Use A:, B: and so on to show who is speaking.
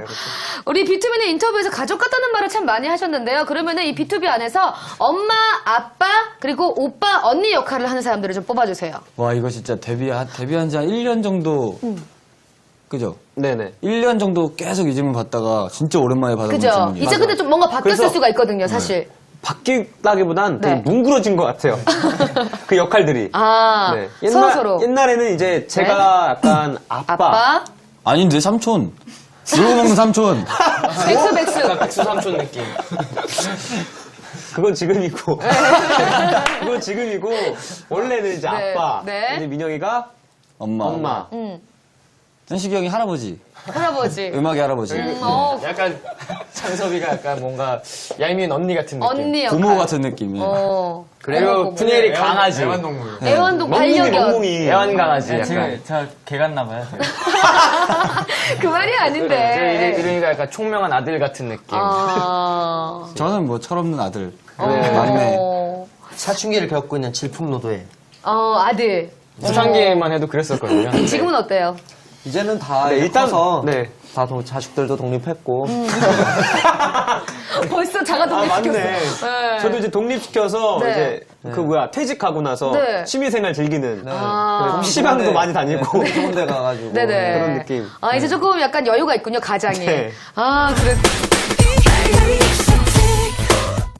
A: 우리 B2B는 인터뷰에서 가족 같다는 말을 참 많이 하셨는데요. 그러면은 이 B2B 안에서 엄마, 아빠, 그리고 오빠, 언니 역할을 하는 사람들을 좀 뽑아주세요.
B: 와, 이거 진짜 데뷔한 지 한 1년 정도. 그죠?
C: 네네.
B: 1년 정도 계속 이 질문 받다가 진짜 오랜만에 받아본
A: 그죠?
B: 질문이에요.
A: 이제 근데 좀 뭔가 바뀌었을
C: 그래서-
A: 수가 있거든요, 사실.
C: 바뀌다기보단
A: 네.
C: 되게 뭉그러진 것 같아요. 그 역할들이.
A: 아,
C: 네.
A: 서로서로.
C: 옛날에는 이제 제가 약간
A: 아빠,
B: 아닌데, 삼촌. 놀고 먹는 삼촌.
A: 백수.
D: 백수 삼촌 느낌.
C: 그건 지금이고. 그건 지금이고. 원래는 이제
A: 네.
C: 아빠.
A: 네.
C: 이제 민영이가
B: 엄마.
C: 엄마.
B: 현식이 형이 할아버지.
A: 할아버지.
B: 음악의 할아버지.
D: 약간 창섭이가 약간 뭔가 얄미운 언니 같은 느낌.
A: 언니 역할.
B: 부모 같은 느낌이야.
D: 그리고 푸니엘이 강아지.
E: 애완동물.
A: 애완동
C: 멍뭉이
A: 반려견.
C: 멍뭉이.
D: 애완 강아지. 약간.
E: 제가 개 같나봐요.
A: 그 말이 아닌데.
D: 이러니까 약간 총명한 아들 같은 느낌.
A: 아.
B: 저는 뭐 철없는 아들.
A: 네.
B: 막내.
F: 사춘기를 겪고 있는 질풍노도에
A: 아들.
D: 초창기에만 해도 그랬었거든요.
A: 지금은 어때요?
F: 이제는 다
C: 네, 일단
F: 커서
C: 네.
F: 다 자식들도 독립했고
A: 벌써 자가 독립시켰어.
C: 맞네.
A: 네.
C: 저도 이제 독립시켜서
A: 네.
C: 이제 그 뭐야 퇴직하고 나서
A: 네.
C: 취미생활 즐기는
A: 아.
C: PC방도 많이 다니고
F: 좋은 데 가가지고
A: 네네.
C: 그런 느낌.
A: 아, 이제 조금 약간 여유가 있군요, 가장이.
C: 네.
A: 아, 그래.